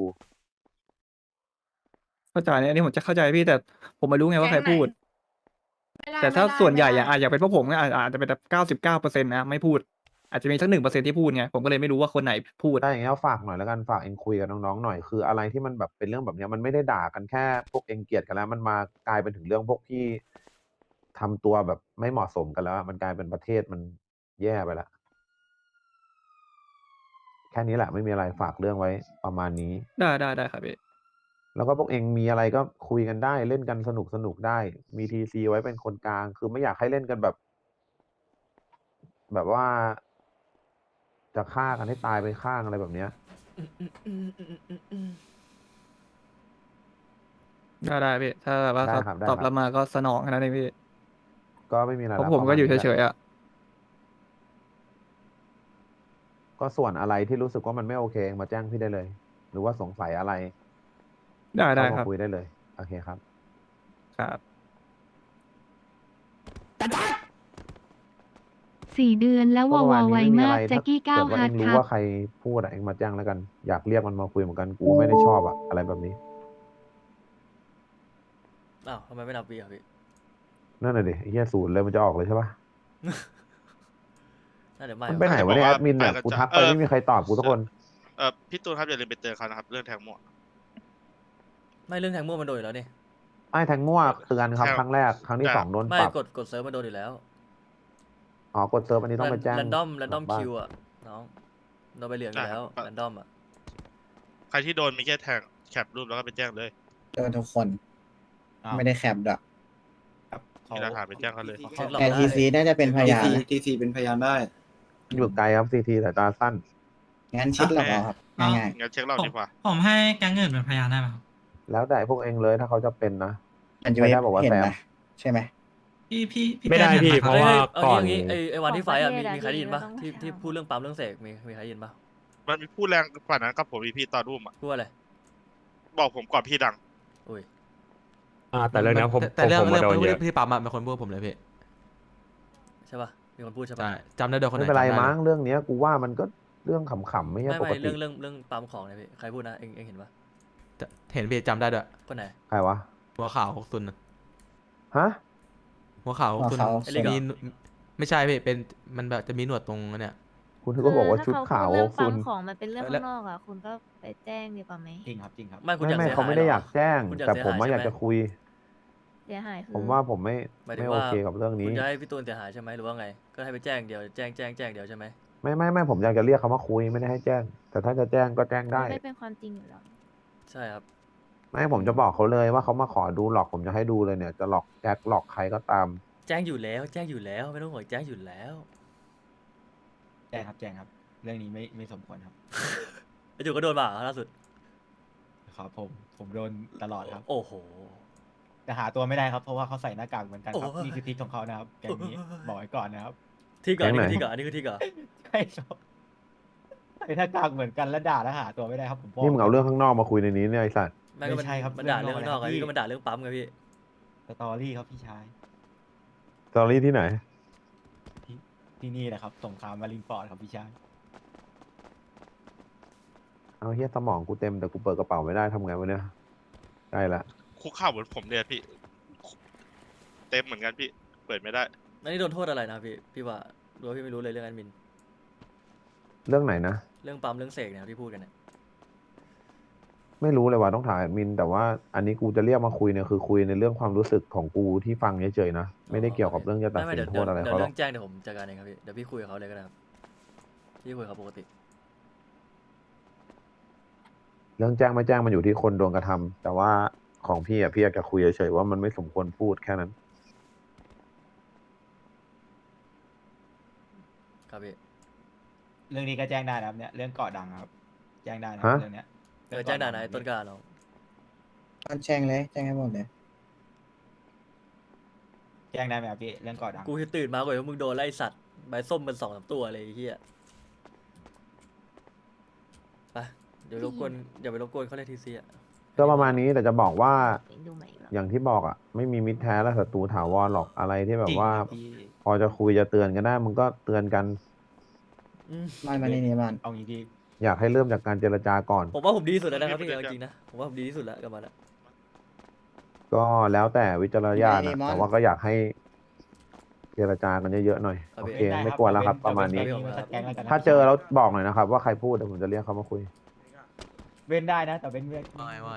[SPEAKER 10] เข้าใจเนี่ยอันนี้ผมจะเข้าใจพี่แต่ผมไม่รู้ไงว่าใครพูด แต่ถ้าส่วนใหญ่อย่างเป็นพวกผมก็อาจจะเป็นแบบ99%นะไม่พูด อาจจะมีสัก1%ที่พูดไงผมก็เลยไม่รู้ว่าคนไหนพูด
[SPEAKER 4] ได้อย่างเงี้ยฝากหน่อยแล้วกันฝากเองคุยกับน้องๆหน่อยคืออะไรที่มันแบบเป็นเรื่องแบบเนี้ยมันไม่ได้ด่ากันแค่พวกเองเกลียดกันแล้ว มันมากลายเป็นถึงเรื่องพวกที่ทำตัวแบบไม่เหมาะสมกันแล้วอะมันกลายเป็นประเทศมันแย่ไปแล้วแค่นี้แหละไม่มีอะไรฝากเรื่องไว้ประมาณนี้
[SPEAKER 10] ได้ครับพี่
[SPEAKER 4] แล้วก็พวกเองมีอะไรก็คุยกันได้เล่นกันสนุกได้ มีทีซีไว้เป็นคนกลาง คือไม่อยากให้เล่นกันแบบว่า จะฆ่ากันให้ตายไปข้างอะไรแบบเนี้ย
[SPEAKER 10] ได้พี่ถ้าแบบว่า
[SPEAKER 4] ได้
[SPEAKER 10] เขา
[SPEAKER 4] ครับได้
[SPEAKER 10] ตอบ
[SPEAKER 4] ครับ
[SPEAKER 10] รับมาก็สนองแค่นั้นเองพี่
[SPEAKER 4] ก็ไม่มีอะไร
[SPEAKER 10] เพราะ
[SPEAKER 4] แล้ว
[SPEAKER 10] ผมก็
[SPEAKER 4] ประาณ
[SPEAKER 10] อยู่
[SPEAKER 4] นี้แหละ
[SPEAKER 10] เฉยๆอ่ะ
[SPEAKER 4] ก็ส่วนอะไรที่รู้สึกว่ามันไม่โอเคมาแจ้งพี่ได้เลย หรือว่าสงสัยอะไร
[SPEAKER 10] ได้
[SPEAKER 4] เข้า
[SPEAKER 10] ค
[SPEAKER 4] มา
[SPEAKER 10] รับ
[SPEAKER 4] คุยได้เลยโอเคครับ
[SPEAKER 10] ครับ
[SPEAKER 9] 4 เดือนแล้วว
[SPEAKER 4] ก็
[SPEAKER 9] อ
[SPEAKER 4] ประ
[SPEAKER 9] ว
[SPEAKER 4] มาณ
[SPEAKER 9] ไว
[SPEAKER 4] นี้ไม่มี
[SPEAKER 9] มา
[SPEAKER 4] อะ
[SPEAKER 9] ก
[SPEAKER 4] ไร
[SPEAKER 9] แจ็
[SPEAKER 4] ถ้า
[SPEAKER 9] คกี้
[SPEAKER 4] เกิดว่า
[SPEAKER 9] 9 ฮา
[SPEAKER 4] เอ
[SPEAKER 9] ร์ด
[SPEAKER 4] ง
[SPEAKER 9] ค
[SPEAKER 4] รู้
[SPEAKER 9] รับ
[SPEAKER 4] ว่าใครพูดอะเองมาแจ้งแล้วกัน อยากเรียกมันมาคุยเหมือนกันกูไม่ได้ชอบอะอะไรแบบนี้
[SPEAKER 5] อ้าวทำไมไม่นับวีอ่ะพี่
[SPEAKER 4] นั่นน่ะดิไอ้เหี้ยศูนย์เลยมันจะออกเลยใช่ปะ
[SPEAKER 5] น่าเดี๋ยวไม่
[SPEAKER 4] มันไปไหนวะเนี่ยแอดมินเนี่ยกูทักไปไม่มีใครตอบกูทุกคน
[SPEAKER 2] พี่ตูนครับอย่าลืมไปเตือนเขานะครับเรื่องแทงมั่ว
[SPEAKER 5] ไม่เรื่องแทงมั่วมันโดนอยู่แล้วนี่
[SPEAKER 4] ไอ้แทงมั่วเตือนครับ
[SPEAKER 2] แทง
[SPEAKER 4] ครั้งแรกครั้งที่
[SPEAKER 2] แต่
[SPEAKER 4] 2โดน
[SPEAKER 5] ไม่
[SPEAKER 4] ปรับ
[SPEAKER 5] กดเซิร์ฟมันโดนอยู่แล้ว
[SPEAKER 4] อ๋อกดเซิร์ฟอันนี้ต้องไปแจ้ง
[SPEAKER 5] แรนดอม
[SPEAKER 4] หลังบ้าน
[SPEAKER 5] คิวอ่ะน้องโดนไปเหลืองอยู่แล้วแรนดอมอ่ะ
[SPEAKER 2] ใครที่โดนมีแค่แทงแคปรูปแล้วก็ไปแจ้งเลย
[SPEAKER 6] โดนทุกคน
[SPEAKER 1] อ้าว
[SPEAKER 6] ไม่ได้แคปดอก
[SPEAKER 1] ครับเขา
[SPEAKER 2] มีหลักฐานไปแจ้งเขาเลย
[SPEAKER 5] เช็คหลอก
[SPEAKER 6] แต่
[SPEAKER 5] ได้
[SPEAKER 6] ทีซีน่าจะเป็นพยานนะ
[SPEAKER 7] ทีซีเป็นพยานได้
[SPEAKER 4] อยู่ไกลครับซีทีสายตาสั้น
[SPEAKER 6] งั้นชิดหลอกเอาครับง่าย
[SPEAKER 2] งั้นเช็คเราดีกว่า
[SPEAKER 11] ผมให้แก๊งอื่นเป็นพยานได้ไหมครับ
[SPEAKER 4] แล้วแต่พวกเองเลยถ้าเขาจะเป็นนะ
[SPEAKER 6] ๆอันจะ
[SPEAKER 4] ไม่ได้บอกว่า
[SPEAKER 6] เห็น
[SPEAKER 4] แซม
[SPEAKER 6] นะใช่ไหม
[SPEAKER 11] พี่
[SPEAKER 8] ไม่ได้
[SPEAKER 11] แก๊ง
[SPEAKER 8] พี่
[SPEAKER 11] เห็นห
[SPEAKER 8] เพ
[SPEAKER 11] คบ
[SPEAKER 8] ราะว่า
[SPEAKER 5] เอา
[SPEAKER 8] ก่อน
[SPEAKER 5] งี้ไอวันที่ไฟอ่ะมีใครได้ยินปะ
[SPEAKER 3] ของประเทศอะ
[SPEAKER 5] ที่พูดเรื่องปั๊มเรื่องเสกมีใครได้ยินปะ
[SPEAKER 2] มันมีพูดแรงกว่านั้นกับผมอีพี่ตอนรุ่มอ่ะ
[SPEAKER 5] พูดอะไร
[SPEAKER 2] บอกผมก่อนพี่ดัง
[SPEAKER 5] อุ้ย
[SPEAKER 9] แต่เรื่องนี้ผม
[SPEAKER 12] แต่เรื่อง
[SPEAKER 9] ผมมาโดน
[SPEAKER 12] เรื่อง
[SPEAKER 9] เยอะ
[SPEAKER 12] พี่ปั๊มอะเป็นคนพูดผมเลยพี่
[SPEAKER 5] ใช่ป่ะมีคนพูดใช่
[SPEAKER 12] ใช่
[SPEAKER 5] ป่ะ
[SPEAKER 12] จำได้เดี๋ยวคนไห
[SPEAKER 4] ไม่
[SPEAKER 12] น
[SPEAKER 4] เป็นไร
[SPEAKER 12] จำด้
[SPEAKER 4] มั้งเรื่องเนี้ยกูว่ามันก็เรื่องขำๆไม่ใช่
[SPEAKER 5] ไม่
[SPEAKER 4] ปก
[SPEAKER 5] ไม่
[SPEAKER 4] ติ
[SPEAKER 5] เรื่องปั๊มของเนี่ยพี่ใครพูดนะเองเห็นปะ
[SPEAKER 12] จะเห็นพี่จำได้ด้วย
[SPEAKER 5] คนไหน
[SPEAKER 4] ใครวะ
[SPEAKER 12] หัวขาว6 ซุนน่ะ
[SPEAKER 4] ฮะ
[SPEAKER 12] หัวขาว6 ซุน
[SPEAKER 6] หัวขาว
[SPEAKER 5] ไอ้เล็กเหรอ
[SPEAKER 12] มีไม่ใช่พี่เป็นมันแบบจะมีหนวดตรงนั้นเนี่ย
[SPEAKER 4] คุณก็บอกว่าชุดขาว
[SPEAKER 3] เรื่อง
[SPEAKER 4] คุ
[SPEAKER 3] ปั๊
[SPEAKER 4] ณ
[SPEAKER 3] มของมันเป็นเรื่อง
[SPEAKER 12] แล้
[SPEAKER 3] ข้าว งนอกอ่ะคุณก็ไปแจ้งดีกว่าไหม
[SPEAKER 1] จริงครับจริงครับ
[SPEAKER 5] ไม่คุณอยาก
[SPEAKER 4] ไม่
[SPEAKER 5] เสีย
[SPEAKER 4] เขา
[SPEAKER 5] หาย
[SPEAKER 4] ไม่ได้
[SPEAKER 5] หร
[SPEAKER 4] อยากแจ้ง
[SPEAKER 5] คุณอยาก
[SPEAKER 4] แต่
[SPEAKER 5] เสีย
[SPEAKER 4] ผม
[SPEAKER 5] หาย
[SPEAKER 4] ว่า
[SPEAKER 5] ใช่
[SPEAKER 4] อยาก
[SPEAKER 5] ไหม
[SPEAKER 4] จะคุย
[SPEAKER 3] เสียหายคือ
[SPEAKER 4] ผมว่าผมไม่
[SPEAKER 5] หมายถึ
[SPEAKER 4] ไม่
[SPEAKER 5] ง
[SPEAKER 4] โอ
[SPEAKER 5] ว่า
[SPEAKER 4] เคกับเรื่อง
[SPEAKER 5] คุ
[SPEAKER 4] นี้
[SPEAKER 5] ณจะให้พี่ตูนเสียหายใช่ไหมหรือว่าไง ก็ให้ไปแจ้งเดียวแจ้งเดียวใช่ไหม
[SPEAKER 4] ไม่ผมอยากจะเรียกเขามาคุยไม่ได้ให้แจ้ง แต่ถ้าจะแจ้งก็แจ้งได้
[SPEAKER 3] ไม่เป็นความจริงอยู่แล้ว
[SPEAKER 5] ใช่ครับ
[SPEAKER 4] ไม่ผมจะบอกเขาเลยว่าเขามาขอดูหลอกผมจะให้ดูเลยเนี่ยจะหลอกแจ็คหลอกใครก็ตาม
[SPEAKER 5] แจ้งอยู่แล้วไม่ต้องห่วงแจ้งอยู่แล้ว
[SPEAKER 1] แจ้งครับแจ้งครับ เรื่องนี้ไม่สมควรครับ
[SPEAKER 5] ไอจูก็โดนบ่าล่าสุด
[SPEAKER 1] ครับผมโดนตลอดครับ
[SPEAKER 5] โอ้โห
[SPEAKER 1] แต่หาตัวไม่ได้ครับเพราะว่าเขาใส่หน้ากากเหมือนกันครับ
[SPEAKER 5] โอ้ย
[SPEAKER 1] นี่คือทิศของเขานะครับแกงนี้บอกไว้ก่อนนะครับ
[SPEAKER 5] ที่ก่อน
[SPEAKER 4] แก๊งไหน
[SPEAKER 5] นี่คือที่ก่อน
[SPEAKER 1] ใช่ครับใส่หน้ากากเหมือนกันแล้วด่าแล้วหาตัวไม่ได้ครับผมบอก
[SPEAKER 4] นี่มึงเอาเรื่องข้างนอกมาคุยในนี้เนี่ยไอ้สัตว์
[SPEAKER 5] ไม่ก็
[SPEAKER 1] ไม่ใช่ครับ
[SPEAKER 5] มันด่า
[SPEAKER 1] เรื่
[SPEAKER 5] เรื่อ
[SPEAKER 1] อง ง
[SPEAKER 5] นอก
[SPEAKER 1] นอก
[SPEAKER 5] ไง
[SPEAKER 1] อะไร
[SPEAKER 5] พี่ก็มันด่าเรื่องปั๊มไงพี่
[SPEAKER 1] สตอรี่ครับพี่ชาย
[SPEAKER 4] สตอรี่ที่ไหน
[SPEAKER 1] ที่นี่แหละครับสงครามมารินฟอร์ดครับพี่ชาย
[SPEAKER 4] เอาเฮียสมองกูเต็มแต่กูเปิดกระเป๋าไม่ได้ทำไงวะเนี่ยใกล้ละ
[SPEAKER 2] คุกเข่าเหมือนผมเนี่ยพี่ เต็มเหมือนกันพี่ เปิดไม่ได้
[SPEAKER 5] นั่นนี่โดนโทษอะไรนะพี่ว่ารู้ว่าพี่ไม่รู้เลยเรื่องแอดมิน
[SPEAKER 4] เรื่องไหนนะ
[SPEAKER 5] เรื่องปั๊มเรื่องเสกเนี่ยที่พูดกันเนี่ย
[SPEAKER 4] ไม่รู้เลยว่าต้องถามแอดมิน แต่ว่าอันนี้กูจะเรียกมาคุยเนี่ยคือคุยในเรื่องความรู้สึกของกูที่ฟังเฉยๆนะไม่ได้เกี่ยวกับเรื่องจะตัด
[SPEAKER 5] ไม่
[SPEAKER 4] สิ
[SPEAKER 5] เดี๋
[SPEAKER 4] น
[SPEAKER 5] ยว
[SPEAKER 4] โทษอะไร
[SPEAKER 5] เดี๋ยว
[SPEAKER 4] เขาหร
[SPEAKER 5] เรื่
[SPEAKER 4] อ
[SPEAKER 5] อก งแจ้งเดี๋ยวผมจัดการเองครับพี่เดี๋ยวพี่คุยกับเขาเลยก็ได้ครับพี่คุยกับเขาปกติ
[SPEAKER 4] เรื่องแจ้งไม่แจ้งมันอยู่ที่คนโดนกระทำแต่ว่าของพี่อะพี่อยากจะคุยเฉยๆว่ามันไม่สมควรพูดแค่นั้น
[SPEAKER 5] ครับพี่
[SPEAKER 1] เรื่องนี้ก็แจ้งได้นะครับเนี่ยเรื่องเกาะดังครับ แจ้งได้นะ
[SPEAKER 4] ฮะ
[SPEAKER 1] เรื่องเนี้ย
[SPEAKER 5] แจ้งด่าไหนต้นกล้าเรา
[SPEAKER 6] แจ้งเลยแจ้งให้หมดเลย
[SPEAKER 1] แจ้งได้ไหมครับพี่เรื่องเกาะดัง
[SPEAKER 5] กูตื่นมาก่อนว่ามึงโดนไล่สัตว์ใบส้มมัน2-3ตัวเลยไอ้เหี้ยไปเดี๋ยวรบกวนอย่าไปรบกวนเขาเลยทีซีอ่ะ
[SPEAKER 4] ก็ประมาณนี้แต่จะบอกว่า
[SPEAKER 3] ดูใหม่อีกรอบ
[SPEAKER 4] อย่างที่บอกอ่ะไม่มีมิตรแท้และศัตรูถาวรหรอกอะไรที่แบบว่า
[SPEAKER 1] จริงครับพี่
[SPEAKER 4] พอจะคุยจะเตือนกันได้มึงก็เตือนกัน
[SPEAKER 6] มันนี่มัน
[SPEAKER 1] เอางี้ดี
[SPEAKER 4] อยากให้เริ่มจากการเจรจาก่อน
[SPEAKER 5] ผมว่าผมดีที่สุดแล้วนะครับพี่เอาจริงๆนะผมว่าผมดีที่สุดแล้วกับมันอะ
[SPEAKER 4] ก็แล้วแต่วิจารณญาณนะแต่ว่าก็อยากให้เจรจากันเยอะๆหน่อยโอเค
[SPEAKER 1] ด้
[SPEAKER 4] ไม่กวนแล้วครับ ประมาณนี้
[SPEAKER 1] เว้นแก๊งแล้วกันนะ
[SPEAKER 4] ถ้าเจอแล้วบอกหน่อยนะครับ ว่าใครพูดเดี๋ยวผมจะเรียกเขามาคุย
[SPEAKER 1] เว้นได้นะแต่เว้น
[SPEAKER 12] ไม่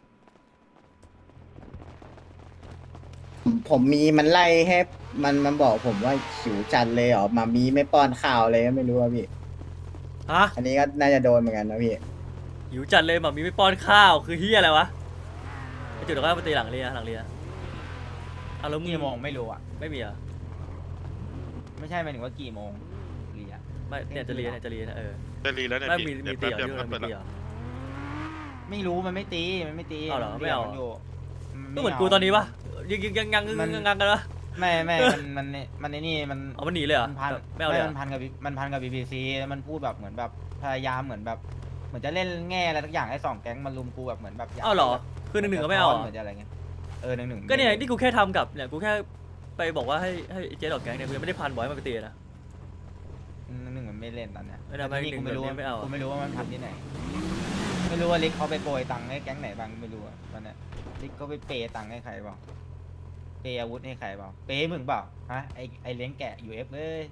[SPEAKER 6] ผมมีมันไล่ให้มันบอกผมว่าหิวจัดเลยเหรอมามีไม่ป้อนข้าวเลยก็ไม่รู้ว่าพี่
[SPEAKER 5] ฮะ
[SPEAKER 6] อันนี้ก็น่าจะโดนเหมือนกันนะพี่
[SPEAKER 5] หิวจัดเลยหมามีไม่ป้อนข้าวคือเฮียอะไรวะไอจุดเดี๋ยวก็มาตีหลังเรียเอาแล้วมึง
[SPEAKER 1] กี่โมงไม่รู้อ่ะ
[SPEAKER 5] ไม่มีเหรอ่ะ
[SPEAKER 1] ไม่ใช่หมายถึงว่ากี่โมงเรีย
[SPEAKER 5] ไม่เนี่ยจะเรียนนะเออ
[SPEAKER 2] จะรีแล้วเนี่ย
[SPEAKER 5] ไม่
[SPEAKER 2] พี่
[SPEAKER 5] มี
[SPEAKER 2] เดี๋ยว
[SPEAKER 5] ตี
[SPEAKER 2] แป๊บ
[SPEAKER 5] เหรอ
[SPEAKER 2] เดียว
[SPEAKER 5] ที่
[SPEAKER 2] มัน
[SPEAKER 5] มัน
[SPEAKER 2] เปิด
[SPEAKER 5] มี
[SPEAKER 2] แล้ว
[SPEAKER 5] ตีเหรอ
[SPEAKER 1] ไม่รู้มันไม่ตี
[SPEAKER 5] เอาเหรอไม่เอา
[SPEAKER 1] นยู่
[SPEAKER 5] ก็เหมือนกูตอนนี้ปะยังงังกันวะ
[SPEAKER 1] ไม่มันไอ้นี่มัน
[SPEAKER 5] เอามันหนีเลยเหรอ
[SPEAKER 1] มันพัน
[SPEAKER 5] ไม่เอาเลยเหรอ
[SPEAKER 1] มันพันกับ BBC แล้วมันพูดแบบเหมือนแบบพยายามเหมือนแบบเหมือนจะเล่นแง่อะไรทุกอย่างให้สองแก๊งมันลุมกูแบบเหมือนแบบยก
[SPEAKER 5] เอาเหรอคือ1-1ก็ไม่เอาเหรอ
[SPEAKER 1] เหมือนจะอะไรเงี้ย1-1
[SPEAKER 5] ก็เนี่ยที่กูแค่ทำกับเนี่ยกูแค่ไปบอกว่าให้เจ๊ดอกแก๊งเนี่ยกูยังไม่ได้พันบอยมันไปตีนะ
[SPEAKER 1] 1-1มันไม่เล่นตอนเนี้ย
[SPEAKER 5] ไม่ได้ไม่
[SPEAKER 1] ที่กูไม่รู้
[SPEAKER 5] 1-1ไม่เอา
[SPEAKER 1] กูไม่รู้ว่ามันพันที่ไหนไม่รู้ว่าลิกเขาไปโปรยตังค์ให้แก๊งไหนบ้างไม่รู้อะตอนเนี้ยลิกเขาไปเปย์ตังค์ให้ใครบ้างเปย์อาวุธให้ใครเปล่าเปย์มึงเปล่าฮะไอเลี้ยงแกะ UF เลย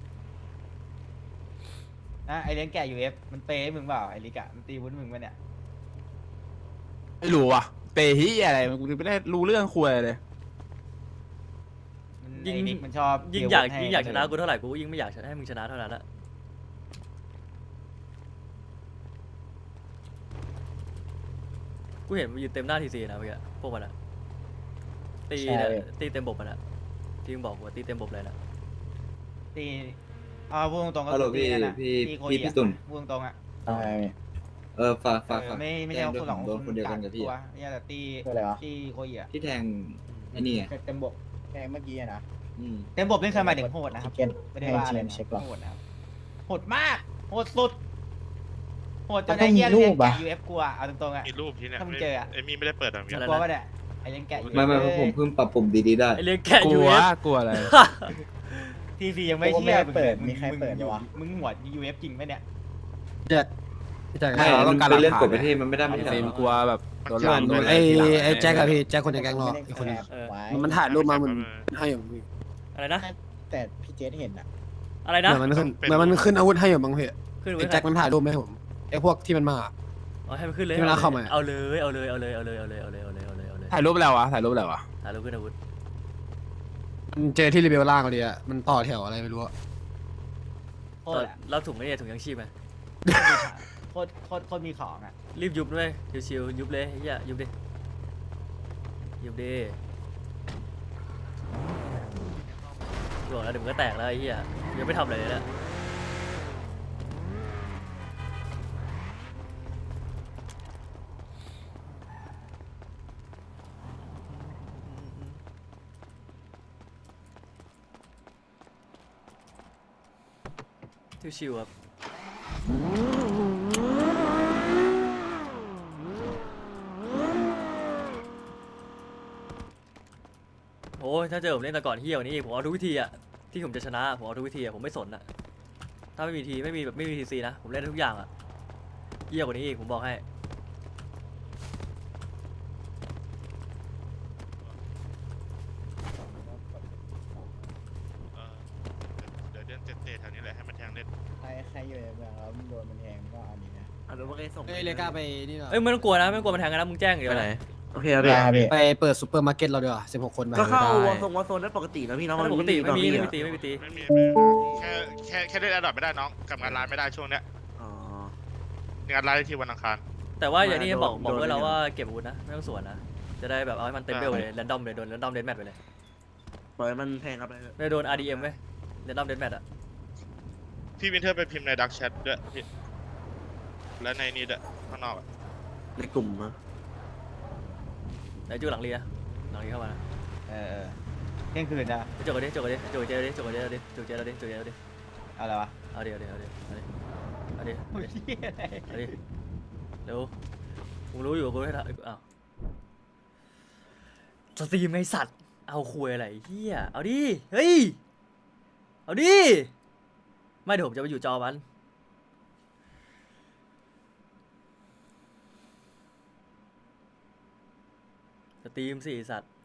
[SPEAKER 1] นะไอเลี้ยงแกะ UF มันเปย์มึงเปล่าไอลิกอะมันตีอาวุธมึงปะเนี่ย
[SPEAKER 9] ไม่รู้อ่ะเปฮีอะไรมันกูไม่ได้รู้เรื่องคุยเลย
[SPEAKER 5] ยิ่ง
[SPEAKER 1] ไอ้นิกมันชอบ
[SPEAKER 5] ยิ่งอยากชนะกูเท่าไหร่กูยิ่งไม่อยากให้มึงชนะเท่านั้นละกูเห็นมันยืนเต็มหน้าทีซีนะเมื่อกี้พวกมันอะตีเนี่ยตีเต็มบบมันอะที่มึงบอกว่าตีเต็มบบเลยนะ
[SPEAKER 1] ตีพูดตรงๆก็
[SPEAKER 7] ฮัลโหล
[SPEAKER 1] ตีนั่นน่ะ
[SPEAKER 7] พี่
[SPEAKER 1] ตีโค
[SPEAKER 7] พี่
[SPEAKER 1] อี
[SPEAKER 7] พี่
[SPEAKER 1] อะ
[SPEAKER 7] ตุ่น
[SPEAKER 1] พูดตรงๆอะ
[SPEAKER 7] ฝาก
[SPEAKER 1] ไม่ใช่ว่าคุณสอง
[SPEAKER 7] โดนคนเดียวกันกับพี่
[SPEAKER 1] ตัวเนี่ยแต่ตี
[SPEAKER 6] คืออะไรวะ
[SPEAKER 1] ตีโคอีอะ
[SPEAKER 7] ที่แทงไอ้นี่ไง
[SPEAKER 1] เต็มบก
[SPEAKER 6] แค่เมื่อกี้อะนะ
[SPEAKER 7] อืม
[SPEAKER 1] เต็มบกนี่คือหมายถึงโหดนะครับ
[SPEAKER 6] เก็ต
[SPEAKER 1] ไม่ได้ว่าอะไร
[SPEAKER 6] ให้ GM เช็คหรอ
[SPEAKER 1] โหดนะครับโหดมากโหดสุดโหดจนไอ้เหี้ยเลี้ยงแกะ UF กลัวเอาตรงๆอ่ะ
[SPEAKER 2] มีรูปที่เนี่ย
[SPEAKER 1] ถ้ามึงเจออะ
[SPEAKER 2] เอมี่ไม่ได้เปิดอ่ะมี
[SPEAKER 5] อะไร
[SPEAKER 1] กลัวป่ะเนี่ยไอ้เลี้ยงแกะ UF
[SPEAKER 7] ไม่ผมเพิ่งปรับปรุงดีๆได้
[SPEAKER 5] ไอเลี้ยงแกะ
[SPEAKER 9] ก
[SPEAKER 5] ยู
[SPEAKER 9] ลัว
[SPEAKER 5] เอฟ
[SPEAKER 9] กลัวอะไร
[SPEAKER 1] ทีซียังไม่
[SPEAKER 6] โอ้
[SPEAKER 1] เชื่อ
[SPEAKER 6] ไม่เปิด
[SPEAKER 1] ง
[SPEAKER 6] มีใครเปิดวะ
[SPEAKER 1] มึงหัว UF จริงไหมเนี่ย
[SPEAKER 8] แจ็คพี่แจ็ค
[SPEAKER 7] ไม่
[SPEAKER 9] เราต้องการ
[SPEAKER 7] เป็นเรื่อง
[SPEAKER 9] หลั
[SPEAKER 7] ก
[SPEAKER 9] ก
[SPEAKER 7] ฎ
[SPEAKER 9] ฐาน
[SPEAKER 7] ประเทศมันไม่ได้ไม่
[SPEAKER 9] ไอ้
[SPEAKER 7] ใช่
[SPEAKER 9] เซ
[SPEAKER 7] เห
[SPEAKER 9] ม
[SPEAKER 7] รอ
[SPEAKER 9] กลัวแบบโดน
[SPEAKER 8] เห
[SPEAKER 9] หลั
[SPEAKER 8] มื
[SPEAKER 9] ง
[SPEAKER 8] อน
[SPEAKER 9] โดน
[SPEAKER 8] ไอ้
[SPEAKER 9] ทีหลัง
[SPEAKER 8] ไอ้แจ็คอะพี่แจ็คคนในแก๊งเราอะอีกคนนึง
[SPEAKER 1] เออ
[SPEAKER 8] มันถ่ายรูปมามันให้อยู่พี่
[SPEAKER 5] อะไรนะ
[SPEAKER 6] แต่พี่เจสเห็นอ่ะ
[SPEAKER 5] อะไร
[SPEAKER 8] เห
[SPEAKER 5] นะ
[SPEAKER 8] มือนมันขึ้นเหมือนมันขึ้นอาวุธให้อยู่มั้งพี่
[SPEAKER 5] ขึ้น
[SPEAKER 8] ไอ้
[SPEAKER 5] ไว้
[SPEAKER 8] แจ็คมันถ่ายรูปไหมาให้ผมไอ้พวกที่มันมา
[SPEAKER 5] อ๋อให้มันขึ้นเลย
[SPEAKER 8] ที่เวลาเข้ามา
[SPEAKER 5] เอาเลยเอาเลยเอาเลยเอาเลยเอาเลยเอาเลยเอาเลยเอาเลยเอาเลย
[SPEAKER 9] ถ่ายรูปแล้ววะถ่ายรูปแล้ววะ
[SPEAKER 5] ถ่ายรูปขึ้นอาวุธ
[SPEAKER 8] มันเจอที่รีเบลล่างเขาดีอะมันต่อแถวอะไรไม่รู้อะ
[SPEAKER 1] โคตรอะ
[SPEAKER 5] รับถุงไอ้เนี่ยถุงยังชีพไหม
[SPEAKER 1] โคตรมีของอ่ะ
[SPEAKER 5] รีบยุบด้วยชิวๆยุบเลยไอ้เหี้ยยุบดิยุบดิบอกแล้วเดี๋ยวมันก็แตกแล้วไอ้เหี้ยยังไม่ทำอะไรเลยนะชิวๆครับโอ้ยถ้าเจอผมเล่นแต่ก่อนเฮี้ยกว่านี้อีกผมเอาทุกวิธีอะที่ผมจะชนะผมเอาทุกวิธีอะผมไม่สนอะถ้าไม่มีทีไม่มีทีซีนะผมเล่นได้ทุกอย่างอะเฮี้ยกว่านี้อีกผมบอกให้
[SPEAKER 2] เออเดี๋ยวเดินเตะๆแถวนี้แหละให้มันแทงเล่น
[SPEAKER 6] ใครอยู่ในเมืองแล้วโดนมันแทงก็เอานี้นะ
[SPEAKER 8] เอ้ยเลก้าไปนี่หรอ
[SPEAKER 5] เอ้ยไม่ต้องกลัวนะไม่ต้องกลัวมันแทงกันนะมึงแจ้งอย่างเดียว
[SPEAKER 12] ไปไหน
[SPEAKER 5] นะ
[SPEAKER 7] โอเคเอาดิ
[SPEAKER 8] ไปเปิดซูเปอร์มาร์เก็ตเราดีกว่า16 คนไป
[SPEAKER 12] ก็เข้า
[SPEAKER 8] ได้
[SPEAKER 12] วอโซนได้ปกตินะพี่น้อง
[SPEAKER 5] ปกติไม่มีตีไม่มีตี
[SPEAKER 2] ไม่มีแค่เล่นแอดดอปไม่ได้น้องกับงานร้านไม่ได้ช่วงเนี้ย
[SPEAKER 12] อ๋อง
[SPEAKER 2] านร้านที่วันอังคาร
[SPEAKER 5] แต่ว่าอย่างนี้
[SPEAKER 12] โดน
[SPEAKER 5] บอก
[SPEAKER 12] โดน
[SPEAKER 5] ไว้แล้ว
[SPEAKER 12] เนี่ย
[SPEAKER 5] ว่าเก็บอาวุธนะไม่ต้องสวนนะจะได้แบบเอาให้มันเต็มเบลเลยแรนดอมเลยโดนแรนดอมเดนแมทไปเลย
[SPEAKER 12] ปล่อยมันแทงครับไปเถอะ
[SPEAKER 5] ไม่โดน RDM เว้ยแรนดอมเดนแมทอะ
[SPEAKER 2] พี่วินเทอร์ไปพิมพ์ในดักแชทด้วยพี่และในนี้ด้วยข้างนอกอะ
[SPEAKER 12] ในกลุ่มอะ
[SPEAKER 5] ไหนจูหลังเรียหลังเรียเข้ามานะ
[SPEAKER 1] เออเที่ยงคืนนะ
[SPEAKER 5] จกกันดิจกกันดิจกเจดิจกเจดิจกเจดิจกเจดิ
[SPEAKER 1] เอาอะไรวะ
[SPEAKER 5] เอาดิเอาดิเอาดิเอาดิเอาดิ
[SPEAKER 1] โอ้ยเหี้ยอะไร
[SPEAKER 5] เอาดิเร็วกูรู้อยู่กูให้ทำอ้าวสตรีมไอสัตว์เอาคุยอะไรเฮียเอาดิเฮ้ยเอาดิไม่เดี๋ยวผมจะไปอยู่จอมันสตรีมสิไอ้สัตว์